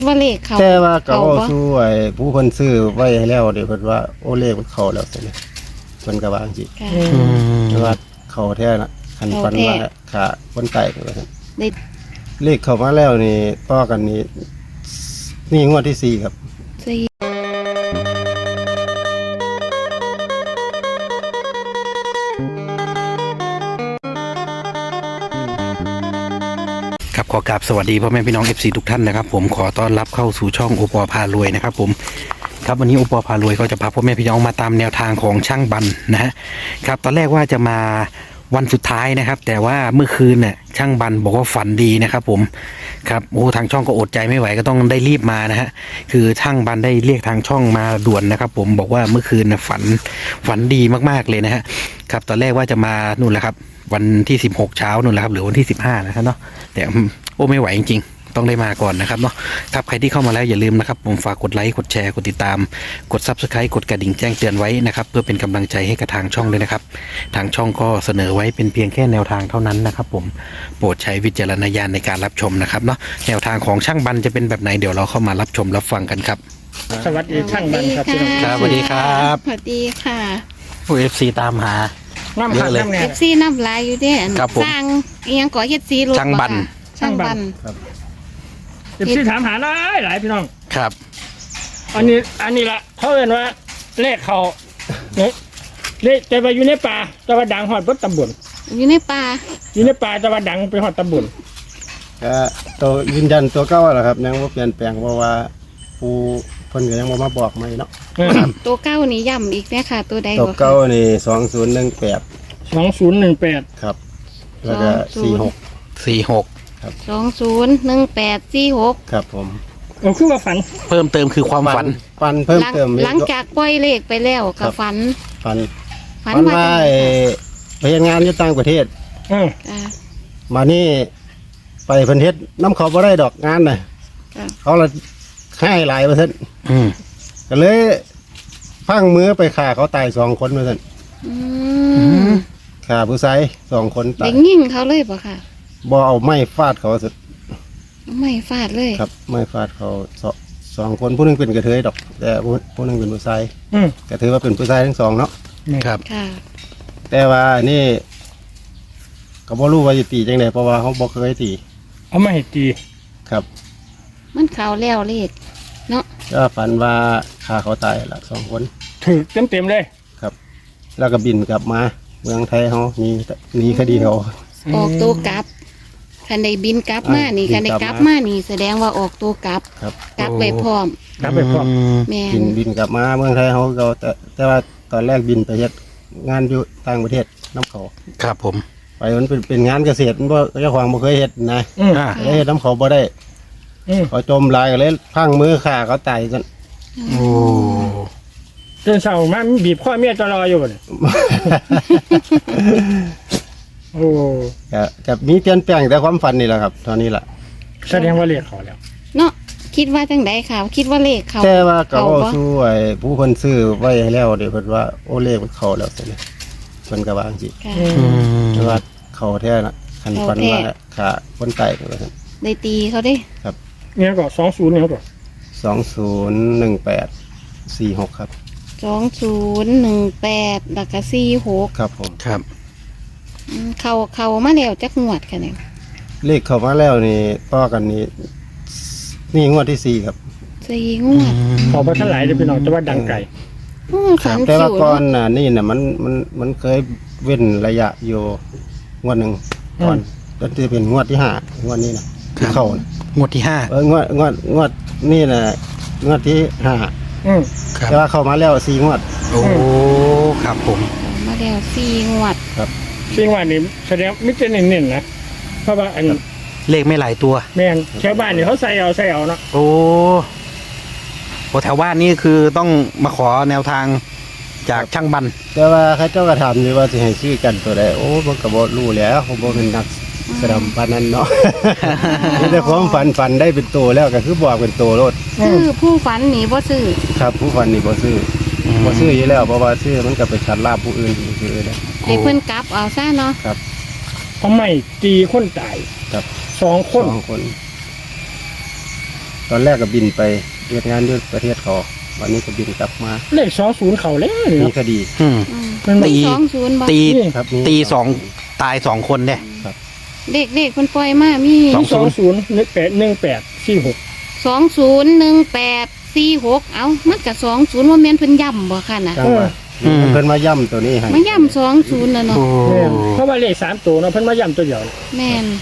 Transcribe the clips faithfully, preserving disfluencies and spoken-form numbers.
ว่าเลขเขาแต่ว่าก็เขาเว้าบ่สู่ไอ้ผู้เพิ่นซื้อไว้ให้แล้วเดี๋ยวเพิ่นว่าโอ้เลขมันเข้าแล้วซั่นนี่เพิ่นก็ว่าจังซี่ค่ะแต่ว่าเข้าแท้น่ะคันเข้าฝันแท้ว่าขาคนตายก็ว่าซั่นได้เลขเข้ามาแล้วนี่ต่อกันนี่นี่งวดที่สี่ครับสี่ครับขอกราบสวัสดีพ่อแม่พี่น้อง เอฟ ซี ทุกท่านนะครับผมขอต้อนรับเข้าสู่ช่องโอปอพารวยนะครับผมครับวันนี้โอปอพารวยก็จะพาพ่อแม่พี่น้องมาตามแนวทางของช่างบันนะฮะครับตอนแรกว่าจะมาวันสุดท้ายนะครับแต่ว่าเมื่อคืนเนี่ยช่างบันบอกว่าฝันดีนะครับผมครับโอ้ทางช่องก็อดใจไม่ไหวก็ต้องได้รีบมานะฮะคือช่างบันได้เรียกทางช่องมาด่วนนะครับผมบอกว่าเมื่อคืนนะฝันฝันดีมากๆเลยนะฮะครับตอนแรกว่าจะมานู่นแหละครับวันที่สิบหกเช้านู่นแหละครับหรือวันที่สิบห้านะครับเนาะแต่โอ้ไม่ไหวจริงๆต้องได้มาก่อนนะครับเนาะครับใครที่เข้ามาแล้วอย่าลืมนะครับผมฝากกดไลค์กดแชร์กดติดตามกด ซับสไครบ์ กดกระดิ่งแจ้งเตือนไว้นะครับเพื่อเป็นกำลังใจให้กับทางช่องด้วยนะครับทางช่องก็เสนอไว้เป็นเพียงแค่แนวทางเท่านั้นนะครับผมโปรดใช้วิจารณญาณในการรับชมนะครับเนาะแนวทางของช่างบันจะเป็นแบบไหนเดี๋ยวเราเข้ามารับชมรับฟังกันครับสวัสดีช่างบันครับพี่น้องครับสวัสดีครับสวัสดีค่ะผู้ เอฟ ซี ตามหาน้ำเยหักอะเลยน้ำแหน่เอฟซีน้ำลายอยู่เด้อันครับผมสร้างอิหยังก่อเฮ็ดสีรถช่างบันค่ะช่างบันครับเอฟซีถามหาหลายหลายพี่น้องครับอันนี้อันนี้ละเขาเรียกว่าเลขเขาเนี่ยเลขแต่ว่าอยู่ในป่าแต่ว่าดังหอดบดตำบลอยู่ในป่าอยู่ในป่าแต่ว่าดังไปหอดตำบลก็ตัวยืนยันตัวเก่าแหละครับยังบ่เปลี่ยนแปลงเพราะว่าผู้เพิ่นก็ยังบ่มาบอกใหม่เนาะตัวเก้านี่ย่ำอีกแน่ค่ะ ตัวใดตัวบ่ค่ะเก่านี่สองศูนย์หนึ่งแปดสองศูนย์หนึ่งแปดครับแล้วก็สองศูสี่นย์หกสี่หกสองศูนย์หนึ่งแปดสี่หกครับผมโอ้คือว่าฝันเพิ่มเติมคือความฝันฟันเพิ่มหลังเติมอีกหลังจากปล่อยเลขไปแล้วก็ฝันฟันฝันฟันว่าว่าจังไอ้ไดไปเฮ็ดงานอยู่ต่างประเทศอืมค่ะมานี่ไปเพิ่นเฮ็ดน้ำเขาบ่ได้ดอกงานน่ะค่ะเขาละให้หลายเปอร์เซ็นต์อืมก็เลยพังมือไปฆ่าเขาตายสองคนเปอร์เซ็นต์อืมฆ่าผู้ชายสองคนตาเด็ยกยิ่งเขาเลยป่ะค่ะบ่เอาไม้ฟาดเขาสุดไม่ฟาดเลยครับไม้ฟาดเขาสองสองคนผู้หนึงเป็นกระเทยดอก แต่ผู้ผู้หนึงเป็นผู้ชายอืมก็ถือว่าเป็นผู้ชายทั้งสองเนาะครับค่ะแต่ว่านี่ก็บ่รู้ว่าจะตีจังไดเพราะว่าเขาบ่เคยตีเอามาให้ตีครับมันเขาแล้วเลขเนาะก็ฝันว่าฆ่าเขาตายละสองคนถือเต็มเต็มๆเลยครับ แล้วก็บินกลับมาเมืองไทยเขาหนีหนีคดีเขาออกตัวกลับคันใดบินกลับมานี่อ่าคันใดบินกกลัลับบมามานี่แสดงว่าออกตัวกลับครับกลับไปพร้อมกลับไปพร้อมแม่บินนบินกลับมาเมืองไทยเขาก็แต่แต่ว่าตอนแรกบินไปเฮ็ดงานอยู่ต่างประเทศน้ำเขาครับผมไปมันเป็นเป็นงานเกษตรมันบ่เจ้าของบ่เคยเฮ็ดนะอืมอ่าเลยเฮ็ดน้ำเขาบ่ได้อืมเขาจมลายก็เลยพังมือฆ่าเขาตายกันโอ้เดินเสามามันบีบข้อเมียจะรออยู่บ่เนี่ยโอ้ก็กับมีเปลี่ยนแปลงแต่ความฝันนี่แหละครับตอนนี้ล่ะแสดงว่าเลขเขาแล้วเนาะคิดว่าจังไดค่ะ คิดว่าเลขเขาแต่ว่าก็เขาเว้าบ่สู่ไอ้ผู้เพิ่นซื้อไว้ให้แล้วเดี๋ยวเพิ่นว่าโอ้เลขมันเข้าแล้วซั่นนี่เพิ่นก็ว่าจังซี่ค่ะอือืมมแต่ว่าเข้าแท้น่ะคันฝันว่าเข้าแท้ฆ่าคนตายก็ว่าซั่นได้ตีเขาเด้เนี่ยก็สองศูนย์เนี่ยก็สองศูนย์หนึ่งแปดสี่หกครับสองศูนย์หนึ่งแปดแล้วก็สี่หกครับผมครับอืมเขาเขามาแล้วจักงวดค่ะเนี่ยเลขเข้ามาแล้วนี่ต่อกันนี่นี่งวดที่สี่ครับสี่งวดขอพระท่านหลายเลยพี่น้องแต่ว่าดังไกลอืมฝันแต่คิว่าว ก่อนเนาะน่ะนี่น่ะมันมันมันเคยเว้นระยะอยู่งวดหนึ่งก่อนแล้วจะเป็นงวดที่ห้างวดนี้นะที่เข้าน่ะงวดที่ห้าเอองวดงวดงวดนี่น่ะงวดที่ห้าอืมครับแต่ว่าเข้ามาแล้วสี่งวดโอ้ครับผมเขามาแล้วสี่งวดสิ่งว่านี่แสดงมิตรเน้นๆนะเพราะว่าอันเลขไม่หลายตัวแม่นแถวบ้านนี่เขาใส่เอาใส่เอาเนาะโอ้โหแถวบ้านนี่คือต้องมาขอแนวทางจากช่างบันแต่ว่าเข้าเจ้าก็ถามอยู่ว่าสิให้ซื้อกันตัวใดโอ้บ่ก็บ่รู้แหล้วผมบ่เป็นนักแสดงปานนั้นเนาะ มีแต่ความฝันฝันได้เป็นตัวแล้วก็คือบอกเป็นตัวรถซื้อผู้ฝันหนีบ่ซื้อครับผู้ฝันนี่บ่ซื้ออมบ่ซื้ออยู่แล้วเพราะว่าซื้อมันก็ไปชัดลาบผู้อื่นซื้อเลยให้เพิ่นกลับเอาซะเนาะทำไมตีคนตายครับสองคนสองคนตอนแรกก็บินไปเฮ็ดงานอยู่ประเทศเขาวันนี้ก็บินกลับมาเลขสองศูนย์เขาแล้วนี่มีเนาะคดีอืมอืมมันตีสองศูนย์บ่ตีครับมีตีสองตายสองคนเนี่ยเด็กเด็กคนปล่อยมามีสองสองศูนย์หนึ่งแปดหนึ่งแปดสี่หกสองศูนย์หนึ่งแปดสี่หกเอ้ามันกับสองศูนย์ว่าแม่นเพิ่นย่ำบ่ค่ะน่ะจังว่าเพิ่นมาย่ำตัวนี้ให้มาย่ำสองศูนย์แล้วเนาะโอ้แม่นเพราะว่าเลขสามตัวเนาะเพิ่นมาย้ำตัวเดียวแม่น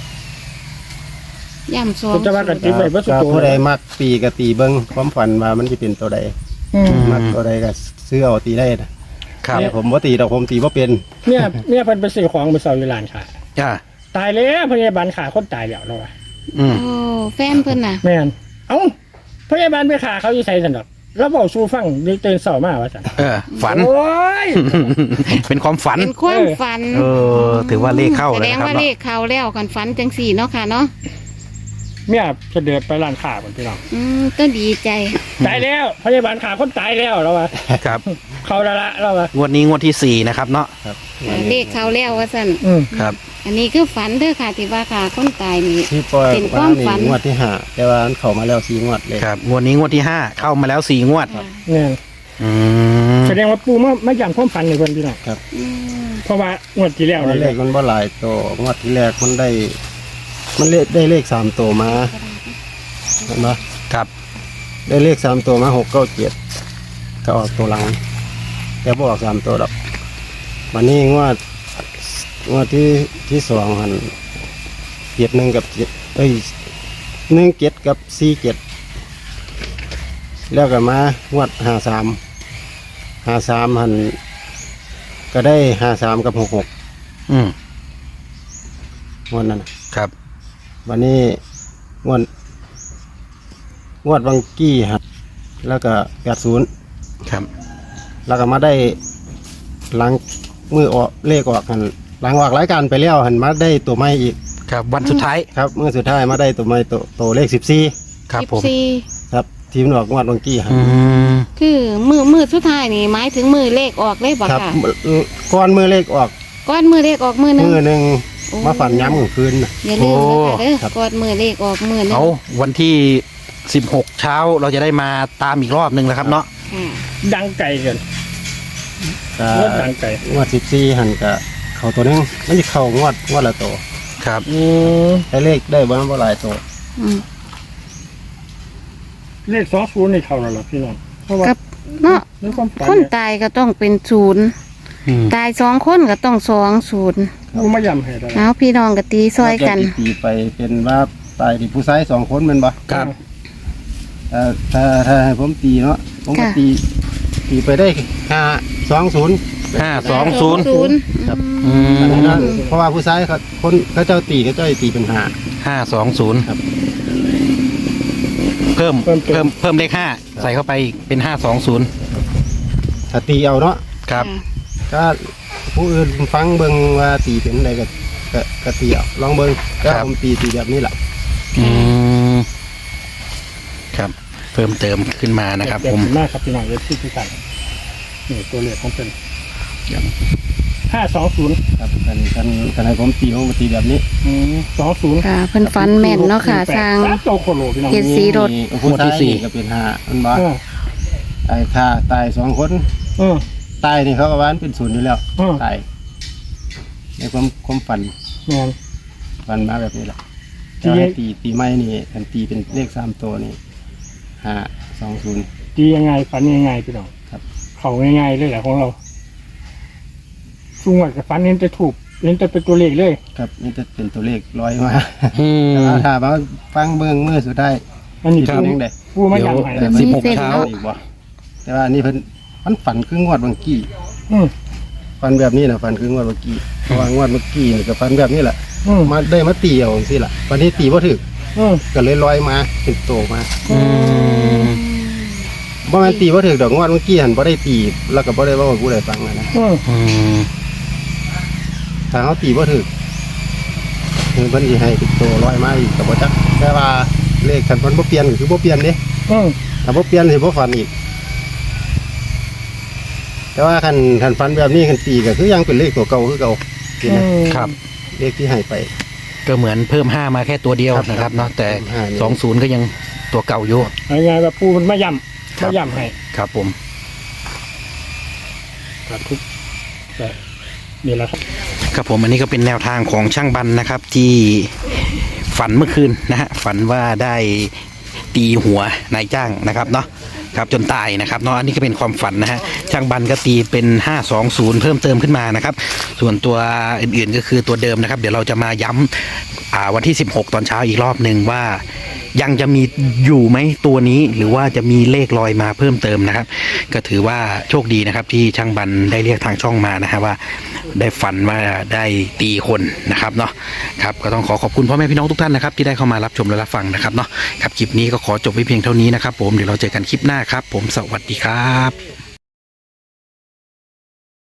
ย่ำสองเพิ่นจะว่ากันติดไว้บ่สุดก็ตัวผู้ใดมักตีก็ตีเบิ่งความฝันว่ามันสิเป็นตัวใดอืมมักตัวใดก็ซื้อเอาตีได้นะครับ แต่ผมบ่ตีดอกผมตีบ่เป็นเนี่ยเนี่ยเพิ่นไปซื้อของไปเซาอยู่ร้านค้าจ้าตายแล้วพยาบาลขาคนตายแล้วแล้วว่ะอืมโอ้แฟนเพิ่นน่ะแม่นเอ้าพยาบาลไปขาเขาอยู่ไสซั่นดอกแล้วเว้าสู่ฟังได้ตื่นเช้ามาว่าซั่นเออ ฝันโอ้ยเป็นความฝันเป็นความฝันเออ ถือว่าเลขเข้าแสเลยดงนะครับว่าเนาะเลขเข้าแล้วกันฝันจังสี่เนาะค่ะเนาะเมียจะเดินไปร้านค้าพุ่นพี่น้องอืมก็ดีใจตายแล้วพยาบาลขาคนตายแล้วแล้วว่ะครับเขาละละแล้วว่ะงวดนี้งวดที่สี่นะครับเนาะครับเลขเข้าแล้วว่าซั่นอืมครับอันนี้คือฝันเด้อค่ะที่ว่าค่ะคนตายนี่ที่ปล่อยเป็นคว่าวามนี่ฝันงวดที่ห้าแต่ว่ามันเข้ามาแล้วสี่งวดเลยครับ งวดนี้งวดที่ห้าเข้ามาแล้วสี่งวดค่ะเนี่ยอืมแสดงว่าปูมามาย้ำความฝันในคนพี่น้องอืมเพราะว่างวดที่แล้วตอนนี่แรกมันบ่หลายตัวงวดที่แรกมันได้ มันเลขได้เลขสามตัวมาเห็นไหมครับได้เลขสามตัวมาหกเก้าเจ็ดก็ออกตัวหลังแต่บออกสามตัวดอกวันนี้งวดงวดที่ที่สองหันเจ็ดหนึ่งกับเจ็ดเอ้ยหนึ่งเจ็ดกับสี่เจ็ดแล้วก็มางวดห้าสามห้าสามหันก็ได้ห้าสามกับหกหกอืมงวดนั้นน่ะครับวันนี้งวดงวดวังกี้หัดแล้วก็แปดศูนย์ครับแล้วก็มาได้หลังมือออกเลขออกกันหลังออกรายการไปแล้วหันมาได้ตัวไม้อีกครับ วันสุดท้ายครับมือสุดท้ายมาได้ตัวไม้ตัวตัวเลขสิบสี่ครับสิบผมคสี่รับทีมนออกงวดวังกี้หันอืมคือมือมือสุดท้ายนี่หมายถึงมือเลขออกเลยบ่ครับค่ะก้อนมือเลขออกก้อนมือเลขออกมือหนึงมือหนึ่งโอ้มาฝันย้ำกลางคืนน่ะอย่าลืมนะคะเด้อครับก้อนมือเลขออกมือหนึงเอาวันที่สิบหกเช้าเราจะได้มาตามอีกรอบหนึ่งแล้วครับเนาะค่ะดังไก่เกินก็งวดดังไก่งวดสิบสี่หันก็เข่าตัวหนึงมันจะเข่างวดงวดละตัวครับอืมได้เลขได้บ้างบ่หลายตัวอืมเลขสองศูนย์ในเขาแล้วล่ะพี่น้องเพราะว่ากับเนาะในความฝันคนเนี่ยตายก็ต้องเป็นศูนย์อืมตายสองคนก็ต้องสองศูนย์ปูมาย้ำให้ได้เอาพี่น้องก็ตีซอยกันตีไปเป็นว่าตายที่ผู้ชายสองคนแมันบ่ครับเอ่อถ้าถ้าให้ผมตีเนาะผมก็ค่ะตีตีไปได้ห้าสองศูนย์ห้าสองศูนย์ศูนย์ครับอืมเพราะว่าผู้ชายเขาคนเขาเจ้าตีเขาเจ้าตีเป็นห้าห้าสองศูนย์ครับเพิ่มเพิ่มเพิ่มเลขห้าใส่เข้าไปอีกเป็นห้าสองศูนย์ถ้าตีเอาเนาะครับก็ผู้อื่นฟังเบิ่งว่าตีเป็นอะไรก็ก็ก็ตีเอาลองเบิ่งก็ผมตีตีแบบนี้แหละอืมครับ เพิ่มเติมขึ้นมานะครับเดี๋ยวผมขอบคุณมากครับพี่น้องเลขที่ทุกท่านนี่ตัวเลขของเป็นห้าสองศูนย์ครับกันกันกันให้ผมตีผมก็ตีแบบนี้สองศูนย์ค่ะเพิ่นฝันแม่นเนาะค่ะทางสามโตโคโลพี่น้องเฮ็ด สีรถมีผู้ชายนี่ก็เป็นห้ามันบ่เออไอ้ค่าตายสองคนเออตายนี่เขาก็ว่ามันเป็นศูนย์อยู่แล้วอืมตายในความความฝันแม่นฝันมาแบบนี้แหละที่แต่ว่าตีตีไม้นี่กันตีเป็นเลขสามตัวนี่ห้าสองศูนย์ดียังไงฝันยังไงพี่น้องครับเขาง่ายๆเลยแหละของเราช่วงวันกับฝันเห็นจะถูกเห็นจะเป็นตัวเลขเลยครับนี่จะเป็นตัวเลขร้อยมาอืมแต่ว่าถ้ามาฟังเบื้องมือสุดได้อันนี้ที่ปูเป็นยังไงปูมาอย่างไรเดี๋ยว สิบหกเช้าอีกบ่แต่ว่านี่เพิ่นมันฝันคืองวดบางกี้อืมฝันแบบนี้นะฝันคืองวดบางกี้เพราะว่างวดเมื่อกี้นี่ก็ฝันแบบนี้แหละอืมมาได้มาตีเอาสิล่ะวันนี้ตีบ่ถึกอืมก็เลยลอยมาเป็นโตมาอืมบ่แม่นตีบ่ถึกดอกงวดเมื่อกี้หันบ่ได้ตีแล้วก็บ่ได้เว้าให้ผู้ใดฟังนะอืมอืมถ้าเฮาตีบ่ถึกเพิ่นสิให้เป็นโตลอยมาอีกก็บ่จักแต่ว่าเลขคันเพิ่นบ่เปลี่ยนก็คือบ่เปลี่ยนเด้อืมถ้าบ่เปลี่ยนสิบ่ฝันอีก แต่ว่าคันคันฝันแบบนี้คันตีก็คือยังเป็นเลขตัวเก่าคือเก่าสินะครับเลขที่ให้ไปก็เหมือนเพิ่มห้ามาแค่ตัวเดียวครับนะครับเนาะแต่ห้านี่สองศูนย์ก็ยังตัวเก่าอยู่ยังไงว่าปูมันมาย่ำมาย่ำให้ครับผมครับทุกแต่นี่แหละครับครับผมอันนี้ก็เป็นแนวทางของช่างบันนะครับที่ฝันเมื่อคืนนะฮะฝันว่าได้ตีหัวนายจ้างนะครับเนาะครับจนตายนะครับเนาะอันนี้ก็เป็นความฝันนะฮะช่างบันก็ตีเป็นห้าสองศูนย์เพิ่มเติมขึ้นมานะครับส่วนตัวอื่นๆก็คือตัวเดิมนะครับเดี๋ยวเราจะมาย้ำอ่าวันที่สิบหกตอนเช้าอีกรอบหนึ่งว่ายังจะมีอยู่ไหมตัวนี้หรือว่าจะมีเลขลอยมาเพิ่มเติมนะครับก็ถือว่าโชคดีนะครับที่ช่างบันได้เรียกทางช่องมานะฮะว่าได้ฝันว่าได้ตีคนนะครับเนาะครับก็ต้องขอขอบคุณพ่อแม่พี่น้องทุกท่านนะครับที่ได้เข้ามารับชมและรับฟังนะครับเนาะครับคลิปนี้ก็ขอจบไว้เพียงเท่านี้นะครับผมเดี๋ยวเราเจอกันคลิปหน้าครับผมสวัสดีครับ